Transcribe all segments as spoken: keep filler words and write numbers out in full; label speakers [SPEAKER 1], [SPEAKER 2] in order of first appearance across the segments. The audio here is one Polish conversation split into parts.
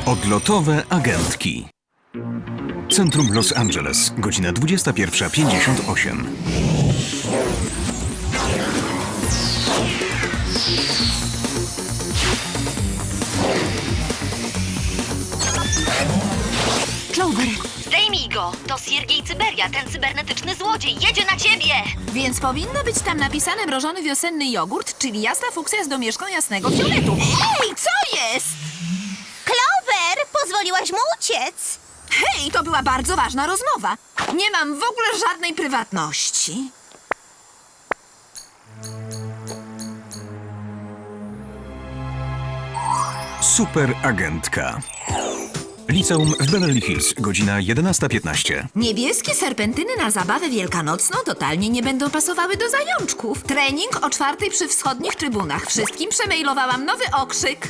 [SPEAKER 1] Odlotowe agentki. Centrum Los Angeles, godzina dwudziesta pierwsza pięćdziesiąt osiem.
[SPEAKER 2] Clover,
[SPEAKER 3] Zdejmij go! To Siergiej Cyberia, ten cybernetyczny złodziej. Jedzie na ciebie!
[SPEAKER 2] więc powinno być tam napisane mrożony wiosenny jogurt, czyli jasna fuksja z domieszką jasnego fioletu. Hej, co jest?
[SPEAKER 4] Clover, pozwoliłaś mu uciec.
[SPEAKER 2] Hej, to była bardzo ważna rozmowa. Nie mam w ogóle żadnej prywatności.
[SPEAKER 1] Superagentka. Liceum w Beverly Hills, godzina jedenasta piętnaście.
[SPEAKER 2] Niebieskie serpentyny na zabawę wielkanocną totalnie nie będą pasowały do zajączków. Trening o czwartej przy wschodnich trybunach. Wszystkim przemailowałam nowy okrzyk.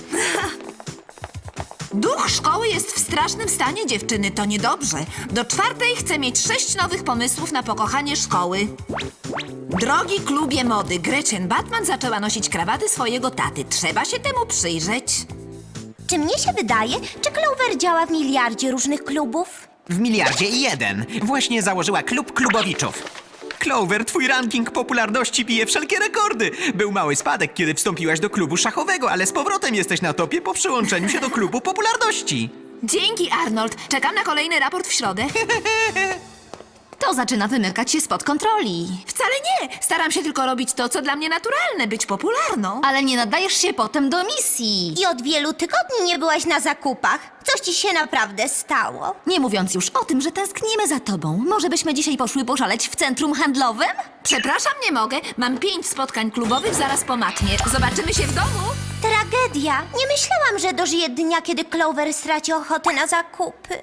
[SPEAKER 2] Duch szkoły jest w strasznym stanie, dziewczyny, to niedobrze. Do czwartej chcę mieć sześć nowych pomysłów na pokochanie szkoły. Drogi klubie mody, Gretchen Batman zaczęła nosić krawaty swojego taty. Trzeba się temu przyjrzeć.
[SPEAKER 4] Czy mnie się wydaje, czy Clover działa w miliardzie różnych klubów?
[SPEAKER 5] W miliardzie i jeden. Właśnie założyła klub klubowiczów. Clover, twój ranking popularności bije wszelkie rekordy. Był mały spadek, kiedy wstąpiłaś do klubu szachowego, ale z powrotem jesteś na topie po przyłączeniu się do klubu popularności.
[SPEAKER 2] Dzięki, Arnold. Czekam na kolejny raport w środę.
[SPEAKER 3] To zaczyna wymykać się spod kontroli.
[SPEAKER 2] Wcale nie. Staram się tylko robić to, co dla mnie naturalne, być popularną.
[SPEAKER 3] Ale nie nadajesz się potem do misji.
[SPEAKER 4] I od wielu tygodni nie byłaś na zakupach. Coś ci się naprawdę stało.
[SPEAKER 3] Nie mówiąc już o tym, że tęsknimy za tobą. Może byśmy dzisiaj poszły poszaleć w centrum handlowym?
[SPEAKER 2] Przepraszam, nie mogę. Mam pięć spotkań klubowych zaraz po matnie. Zobaczymy się w domu.
[SPEAKER 4] Tragedia. Nie myślałam, że dożyję dnia, kiedy Clover straci ochotę na zakupy.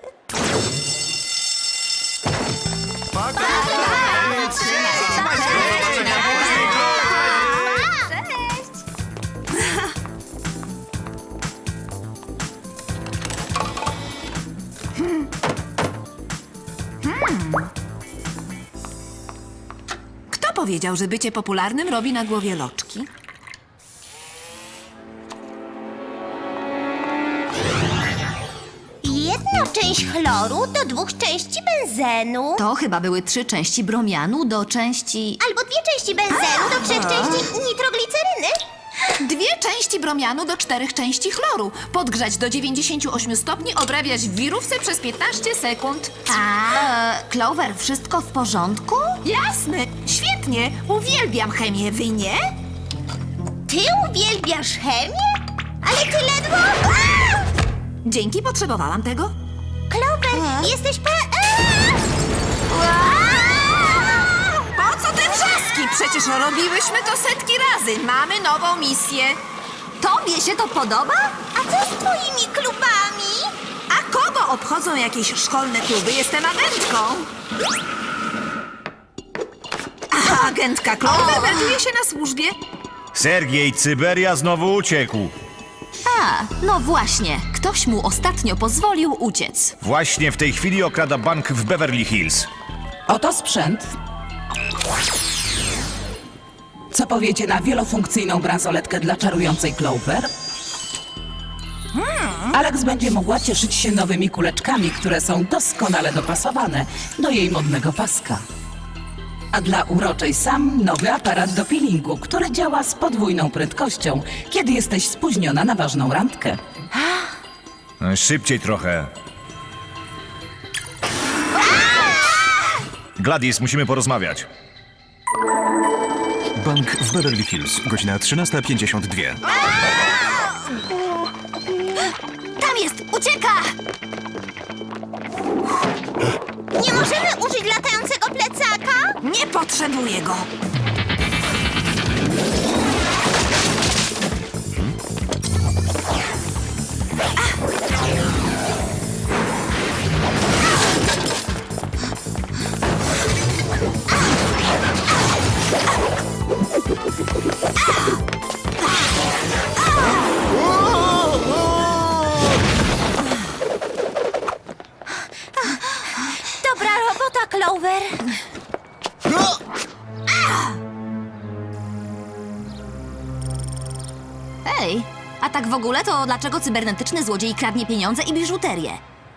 [SPEAKER 2] Kto powiedział, że bycie popularnym robi na głowie loczki?
[SPEAKER 4] Jedna część chloru do dwóch części benzenu.
[SPEAKER 3] To chyba były trzy części bromianu do części...
[SPEAKER 4] Albo dwie części benzenu do trzech części nitrogliceryny.
[SPEAKER 2] Dwie części bromianu do czterech części chloru. Podgrzać do dziewięćdziesięciu ośmiu stopni, obrabiać w wirówce przez piętnaście sekund.
[SPEAKER 3] A, Clover, wszystko w porządku?
[SPEAKER 2] Jasne, świetnie. Uwielbiam chemię, wy nie?
[SPEAKER 4] Ty uwielbiasz chemię? Ale ty ledwo... Aaa!
[SPEAKER 2] Dzięki, potrzebowałam tego.
[SPEAKER 4] Clover, jesteś pe...
[SPEAKER 2] Po co te wrzaski? Przecież robiłyśmy to setki razy. Mamy nową misję.
[SPEAKER 3] Tobie się to podoba?
[SPEAKER 4] A co z twoimi klubami?
[SPEAKER 2] A kogo obchodzą jakieś szkolne kluby? Jestem agentką. A agentka Clover melduje się na służbie.
[SPEAKER 6] Siergiej Cyberia znowu uciekł.
[SPEAKER 3] A, no właśnie. Ktoś mu ostatnio pozwolił uciec.
[SPEAKER 6] Właśnie w tej chwili okrada bank w Beverly Hills.
[SPEAKER 7] Oto sprzęt. Co powiecie na wielofunkcyjną bransoletkę dla czarującej Clover? Alex będzie mogła cieszyć się nowymi kuleczkami, które są doskonale dopasowane do jej modnego paska. A dla uroczej Sam nowy aparat do peelingu, który działa z podwójną prędkością, kiedy jesteś spóźniona na ważną randkę.
[SPEAKER 6] Szybciej trochę. Gladys, musimy porozmawiać.
[SPEAKER 1] Bank w Beverly Hills, godzina trzynasta pięćdziesiąt dwa.
[SPEAKER 3] Tam jest! Ucieka!
[SPEAKER 4] Nie możemy użyć latającego plecaka?
[SPEAKER 2] Nie potrzebuję go.
[SPEAKER 4] Dobra robota, Clover.
[SPEAKER 3] Hej, a A tak w ogóle to dlaczego cybernetyczny złodziej kradnie pieniądze i biżuterię?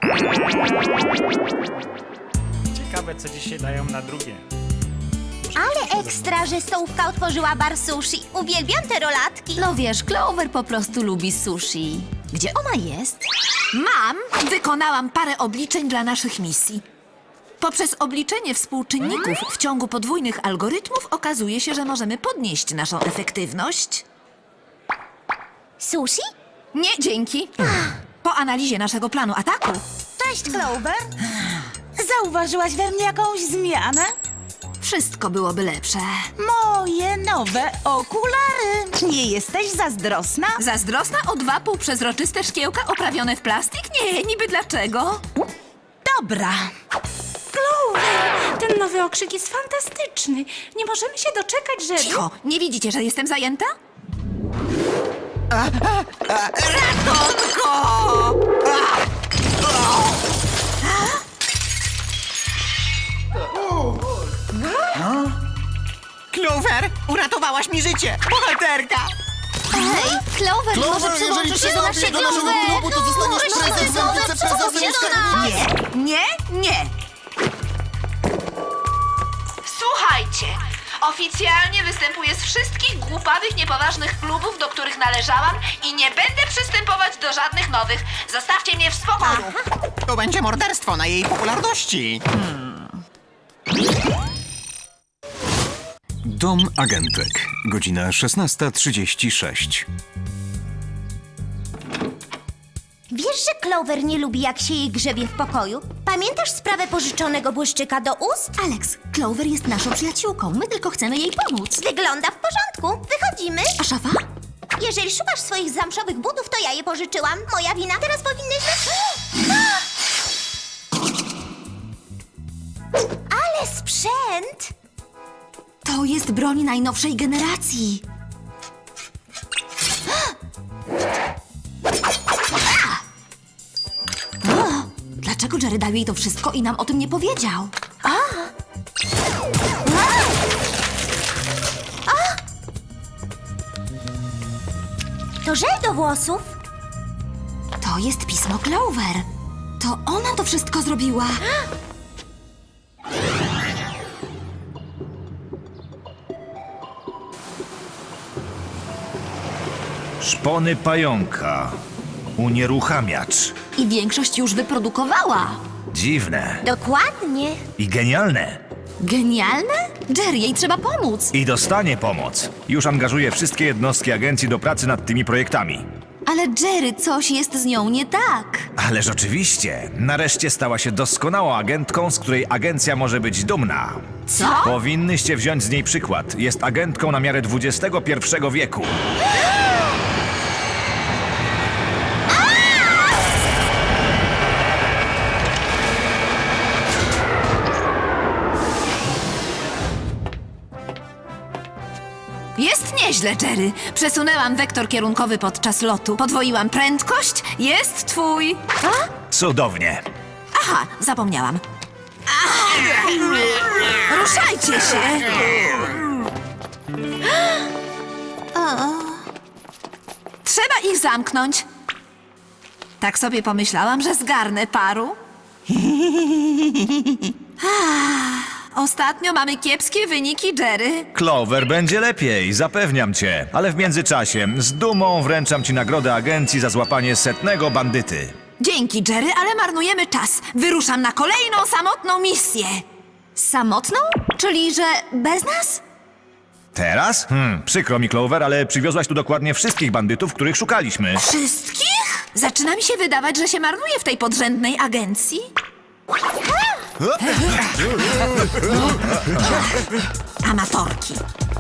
[SPEAKER 8] Ciekawe, co dzisiaj dają na drugie.
[SPEAKER 4] Ale ekstra, że stołówka otworzyła bar sushi. Uwielbiam te rolatki.
[SPEAKER 3] No wiesz, Clover po prostu lubi sushi. Gdzie ona jest?
[SPEAKER 2] Mam, wykonałam parę obliczeń dla naszych misji. Poprzez obliczenie współczynników w ciągu podwójnych algorytmów okazuje się, że możemy podnieść naszą efektywność.
[SPEAKER 4] Sushi?
[SPEAKER 2] Nie, dzięki. Po analizie naszego planu ataku
[SPEAKER 9] Cześć, Clover. Zauważyłaś we mnie jakąś zmianę?
[SPEAKER 2] wszystko byłoby lepsze.
[SPEAKER 9] Moje nowe okulary. Nie jesteś zazdrosna?
[SPEAKER 2] Zazdrosna o dwa półprzezroczyste szkiełka oprawione w plastik? Nie, niby dlaczego?
[SPEAKER 9] Dobra.
[SPEAKER 10] Clover, ten nowy okrzyk jest fantastyczny. Nie możemy się doczekać, że...
[SPEAKER 2] Cicho, nie widzicie, że jestem zajęta?
[SPEAKER 5] Clover, uratowałaś mi życie! Bohaterka!
[SPEAKER 3] Hej, Clover, może przyłączysz się do naszego klubu, to zostaniesz prezesem, wiceprezesem i
[SPEAKER 2] Nie, nie, nie. Słuchajcie, oficjalnie występuję z wszystkich głupawych, niepoważnych klubów, do których należałam i nie będę przystępować do żadnych nowych. Zostawcie mnie w spokoju.
[SPEAKER 5] To będzie morderstwo na jej popularności.
[SPEAKER 1] Dom agentek. Godzina szesnasta trzydzieści sześć.
[SPEAKER 4] Wiesz, że Clover nie lubi, jak się jej grzebie w pokoju? Pamiętasz sprawę pożyczonego błyszczyka do ust?
[SPEAKER 3] Alex, Clover jest naszą przyjaciółką. My tylko chcemy jej pomóc.
[SPEAKER 4] Wygląda w porządku. Wychodzimy.
[SPEAKER 3] A szafa?
[SPEAKER 4] Jeżeli szukasz swoich zamszowych butów, to ja je pożyczyłam. Moja wina. Teraz powinnyśmy... Ale sprzęt!
[SPEAKER 3] To jest broń najnowszej generacji. O, dlaczego Jerry dał jej to wszystko i nam o tym nie powiedział?
[SPEAKER 4] To żel do włosów.
[SPEAKER 3] To jest pismo Clover. To ona to wszystko zrobiła.
[SPEAKER 6] Szpony pająka. Unieruchamiacz.
[SPEAKER 3] I większość już wyprodukowała.
[SPEAKER 6] Dziwne.
[SPEAKER 4] Dokładnie.
[SPEAKER 6] I genialne.
[SPEAKER 3] Genialne? Jerry, jej trzeba pomóc.
[SPEAKER 6] I dostanie pomoc. Już angażuje wszystkie jednostki agencji do pracy nad tymi projektami.
[SPEAKER 3] Ale Jerry, coś jest z nią nie tak.
[SPEAKER 6] Ależ oczywiście. Nareszcie stała się doskonałą agentką, z której agencja może być dumna.
[SPEAKER 3] Co?
[SPEAKER 6] Powinnyście wziąć z niej przykład. Jest agentką na miarę dwudziestego pierwszego wieku.
[SPEAKER 2] Jest nieźle, Jerry. Przesunęłam wektor kierunkowy podczas lotu. Podwoiłam prędkość. Jest twój. A?
[SPEAKER 6] Cudownie.
[SPEAKER 2] Aha, zapomniałam. Ach! Ruszajcie się! Trzeba ich zamknąć. Tak sobie pomyślałam, że zgarnę paru. Ah, ostatnio mamy kiepskie wyniki, Jerry.
[SPEAKER 6] Clover, będzie lepiej, zapewniam cię. Ale w międzyczasie z dumą wręczam ci nagrodę agencji za złapanie setnego bandyty.
[SPEAKER 2] Dzięki, Jerry, ale marnujemy czas. Wyruszam na kolejną samotną misję.
[SPEAKER 3] Samotną? Czyli, że bez nas?
[SPEAKER 6] Teraz? Hmm, przykro mi, Clover, ale przywiozłaś tu dokładnie wszystkich bandytów, których szukaliśmy.
[SPEAKER 2] Wszystkich? Zaczyna mi się wydawać, że się marnuje w tej podrzędnej agencji. Amatorki.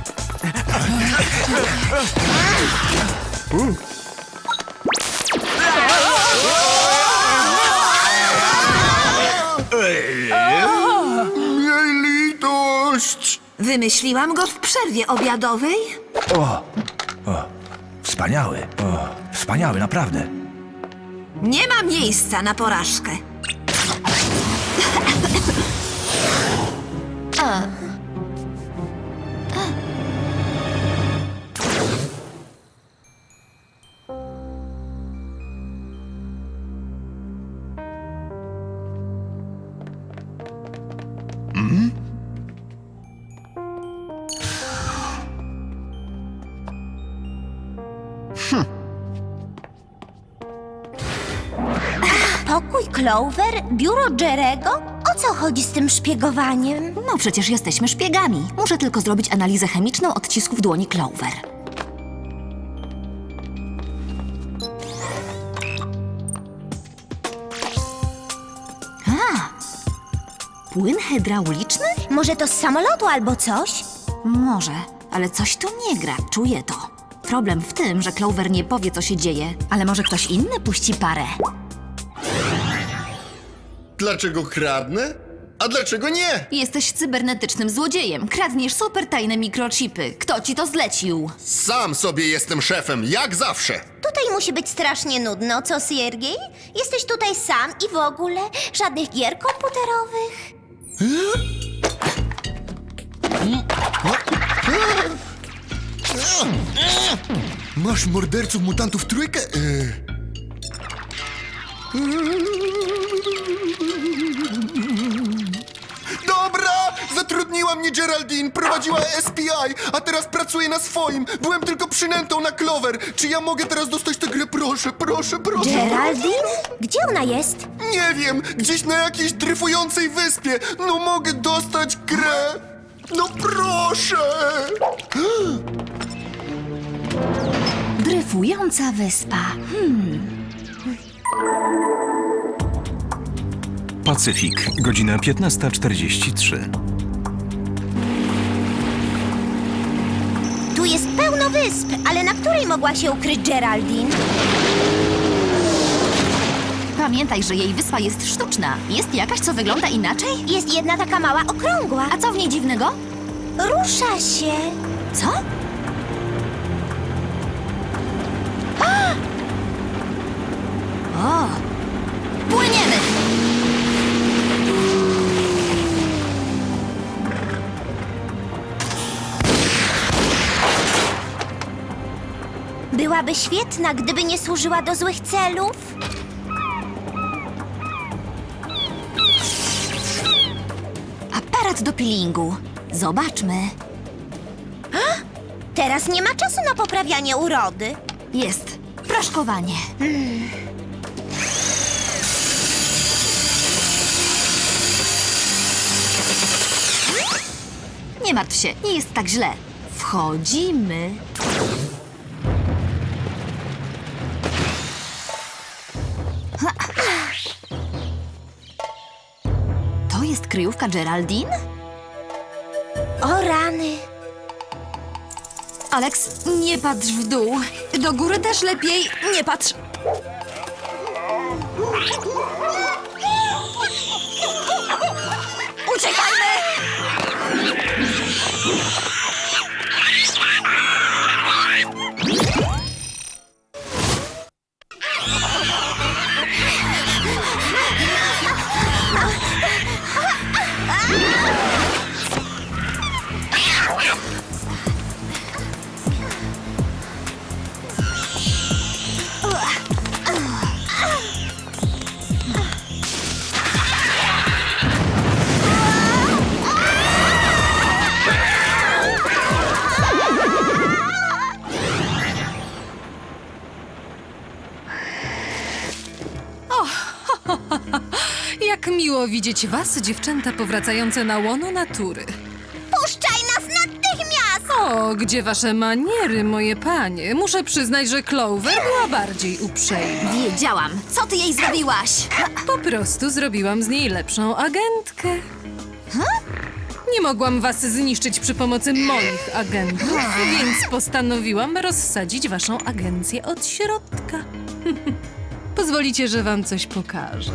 [SPEAKER 6] Litość!
[SPEAKER 2] Wymyśliłam go w przerwie obiadowej.
[SPEAKER 6] O, o, wspaniały, o, wspaniały, naprawdę.
[SPEAKER 2] Nie ma miejsca na porażkę.
[SPEAKER 4] Pokój Clover? Biuro Jerego? O co chodzi z tym szpiegowaniem?
[SPEAKER 2] No przecież jesteśmy szpiegami. Muszę tylko zrobić analizę chemiczną odcisków dłoni Clover. A, płyn hydrauliczny?
[SPEAKER 4] Może to z samolotu albo coś?
[SPEAKER 2] Może, ale coś tu nie gra, czuję to. Problem w tym, że Clover nie powie, co się dzieje, ale może ktoś inny puści parę.
[SPEAKER 11] Dlaczego kradnę? A dlaczego nie?
[SPEAKER 2] Jesteś cybernetycznym złodziejem. Kradniesz super tajne mikrochipy. Kto ci to zlecił?
[SPEAKER 11] Sam sobie jestem szefem, jak zawsze.
[SPEAKER 4] Tutaj musi być strasznie nudno, co Siergiej? Jesteś tutaj sam i w ogóle żadnych gier komputerowych?
[SPEAKER 11] Masz morderców mutantów trójkę? Yy. Dobra! Zatrudniła mnie Geraldine, prowadziła S P I, a teraz pracuje na swoim. Byłem tylko przynętą na Clover. Czy ja mogę teraz dostać tę grę? Proszę, proszę, proszę.
[SPEAKER 4] Geraldine? Gdzie ona jest?
[SPEAKER 11] Nie wiem, gdzieś na jakiejś dryfującej wyspie. No mogę dostać grę. No proszę!
[SPEAKER 2] Dryfująca wyspa. Hmm.
[SPEAKER 1] Pacyfik, godzina piętnasta czterdzieści trzy.
[SPEAKER 4] Tu jest pełno wysp, ale na której mogła się ukryć Geraldine?
[SPEAKER 2] Pamiętaj, że jej wyspa jest sztuczna. Jest jakaś, co wygląda inaczej?
[SPEAKER 4] Jest jedna taka mała okrągła.
[SPEAKER 2] A co w niej dziwnego?
[SPEAKER 4] Rusza się.
[SPEAKER 2] Co? O! Płyniemy!
[SPEAKER 4] Byłaby świetna, gdyby nie służyła do złych celów.
[SPEAKER 2] Aparat do peelingu. Zobaczmy.
[SPEAKER 4] Teraz nie ma czasu na poprawianie urody.
[SPEAKER 2] Jest. Proszkowanie. Nie martw się, nie jest tak źle. Wchodzimy. Ha. To jest kryjówka Geraldine?
[SPEAKER 4] O rany.
[SPEAKER 2] Alex, nie patrz w dół. Do góry też lepiej. Nie patrz. Uciekajmy!
[SPEAKER 12] Jak miło widzieć was, dziewczęta powracające na łono natury.
[SPEAKER 4] Puszczaj nas natychmiast!
[SPEAKER 12] O, gdzie wasze maniery, moje panie? Muszę przyznać, że Clover była bardziej uprzejma.
[SPEAKER 2] Wiedziałam. Co ty jej zrobiłaś?
[SPEAKER 12] Po prostu zrobiłam z niej lepszą agentkę. Nie mogłam was zniszczyć przy pomocy moich agentów, więc postanowiłam rozsadzić waszą agencję od środka. Pozwolicie, że wam coś pokażę.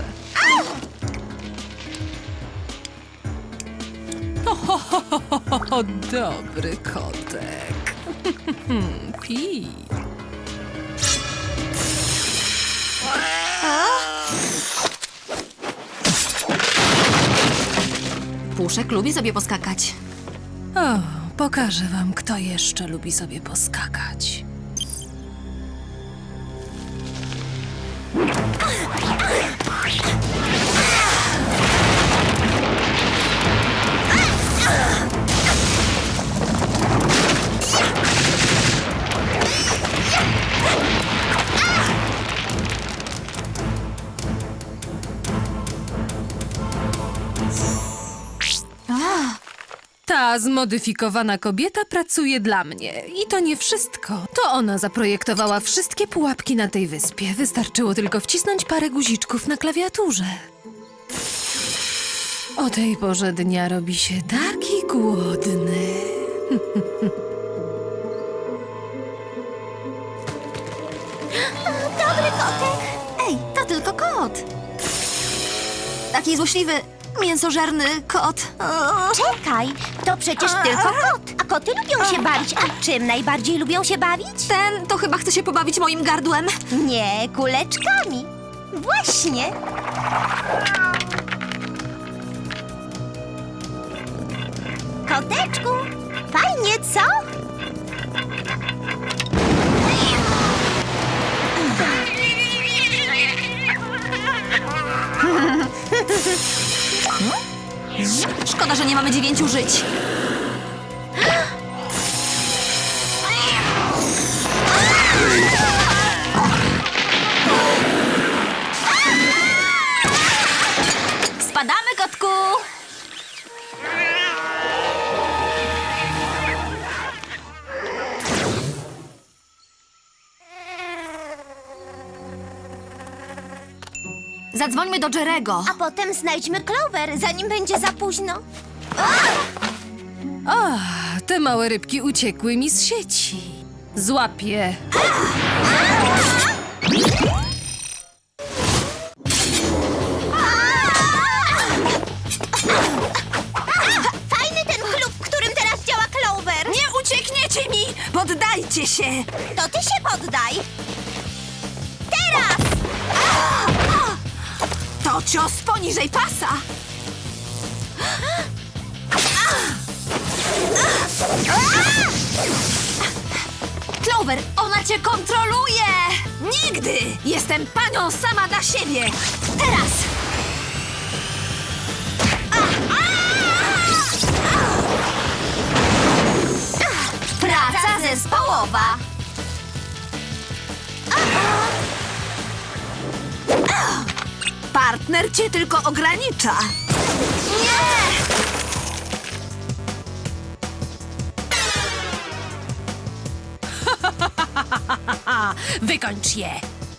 [SPEAKER 12] O, ho, ho, ho, ho, ho, dobry kotek. Pi.
[SPEAKER 2] Puszek lubi sobie poskakać.
[SPEAKER 12] O, pokażę wam, kto jeszcze lubi sobie poskakać. Ta zmodyfikowana kobieta pracuje dla mnie. I to nie wszystko. To ona zaprojektowała wszystkie pułapki na tej wyspie. Wystarczyło tylko wcisnąć parę guziczków na klawiaturze. O tej porze dnia robi się taki głodny.
[SPEAKER 3] Dobry kotek. Ej, to tylko kot. Taki złośliwy, mięsożerny kot. O.
[SPEAKER 4] Czekaj, to przecież tylko kot. A koty lubią się bawić. A czym najbardziej lubią się bawić?
[SPEAKER 3] Ten to chyba chce się pobawić moim gardłem.
[SPEAKER 4] Nie, kuleczkami. Właśnie. Koteczku, fajnie, co?
[SPEAKER 3] Szkoda, że nie mamy dziewięciu żyć. Spadamy, kotku! Zadzwońmy do Jerego.
[SPEAKER 4] A potem znajdźmy Clover, zanim będzie za późno.
[SPEAKER 12] O, te małe rybki uciekły mi z sieci. Złapię.
[SPEAKER 4] Fajny ten klub, w którym teraz działa Clover.
[SPEAKER 2] Nie uciekniecie mi! Poddajcie się!
[SPEAKER 4] To ty się poddaj. Teraz!
[SPEAKER 2] To cios poniżej pasa!
[SPEAKER 3] Clover, ona cię kontroluje!
[SPEAKER 2] Nigdy! Jestem panią sama dla siebie!
[SPEAKER 3] Teraz! Praca zespołowa!
[SPEAKER 2] Partner cię tylko ogranicza!
[SPEAKER 3] Nie!
[SPEAKER 12] Wykończ je!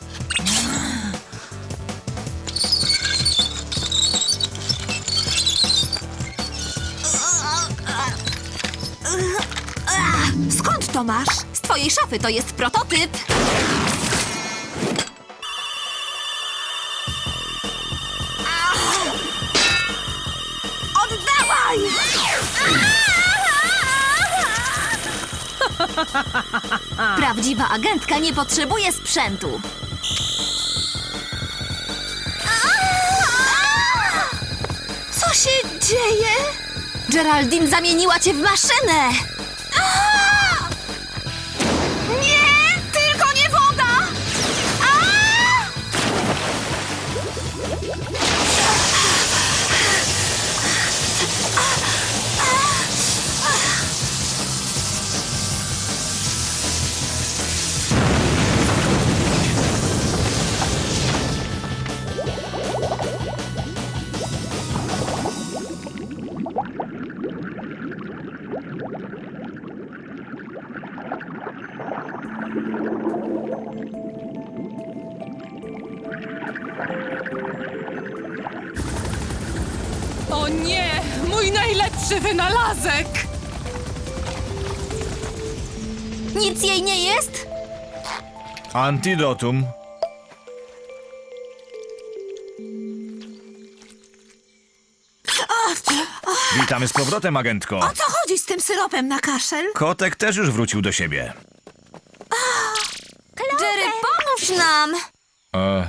[SPEAKER 2] Skąd to masz?
[SPEAKER 3] Z twojej szafy to jest prototyp.
[SPEAKER 2] Oddawaj!
[SPEAKER 3] Prawdziwa agentka nie potrzebuje sprzętu.
[SPEAKER 2] Co się dzieje?
[SPEAKER 3] Geraldine zamieniła cię w maszynę.
[SPEAKER 2] Nie! Tylko nie woda!
[SPEAKER 12] O nie! Mój najlepszy wynalazek!
[SPEAKER 3] Nic jej nie jest?
[SPEAKER 6] Antidotum. Witamy z powrotem, agentko.
[SPEAKER 2] O co chodzi z tym syropem na kaszel?
[SPEAKER 6] Kotek też już wrócił do siebie.
[SPEAKER 3] Jerry, pomóż nam!
[SPEAKER 6] E,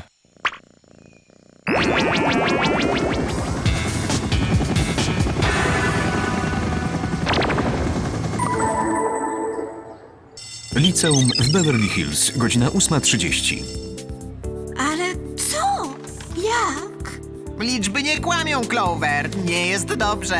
[SPEAKER 1] Liceum w Beverly Hills, godzina ósma trzydzieści.
[SPEAKER 2] Ale co? Jak?
[SPEAKER 5] Liczby nie kłamią, Clover. Nie jest dobrze.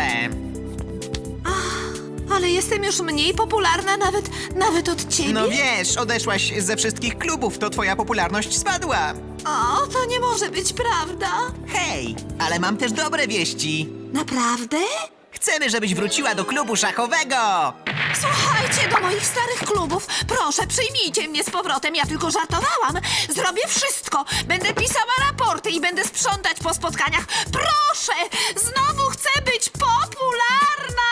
[SPEAKER 2] Ale jestem już mniej popularna nawet, nawet od ciebie?
[SPEAKER 5] No wiesz, odeszłaś ze wszystkich klubów, to twoja popularność spadła.
[SPEAKER 2] O, to nie może być prawda.
[SPEAKER 5] Hej, ale mam też dobre wieści.
[SPEAKER 2] Naprawdę?
[SPEAKER 5] Chcemy, żebyś wróciła do klubu szachowego!
[SPEAKER 2] Słuchajcie do moich starych klubów. Proszę, przyjmijcie mnie z powrotem. Ja tylko żartowałam. Zrobię wszystko. Będę pisała raporty i będę sprzątać po spotkaniach. Proszę! Znowu chcę być popularna!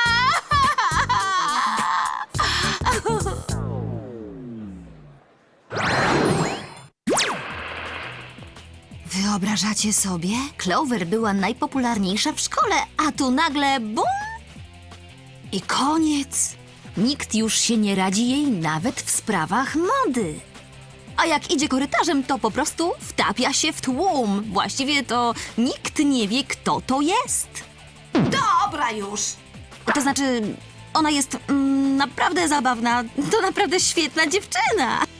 [SPEAKER 3] Wyobrażacie sobie? Clover była najpopularniejsza w szkole, a tu nagle bum! I koniec. Nikt już się nie radzi jej nawet w sprawach mody. A jak idzie korytarzem, to po prostu wtapia się w tłum. Właściwie to nikt nie wie, kto to jest.
[SPEAKER 2] Dobra już.
[SPEAKER 3] To znaczy, ona jest mm, naprawdę zabawna. To naprawdę świetna dziewczyna.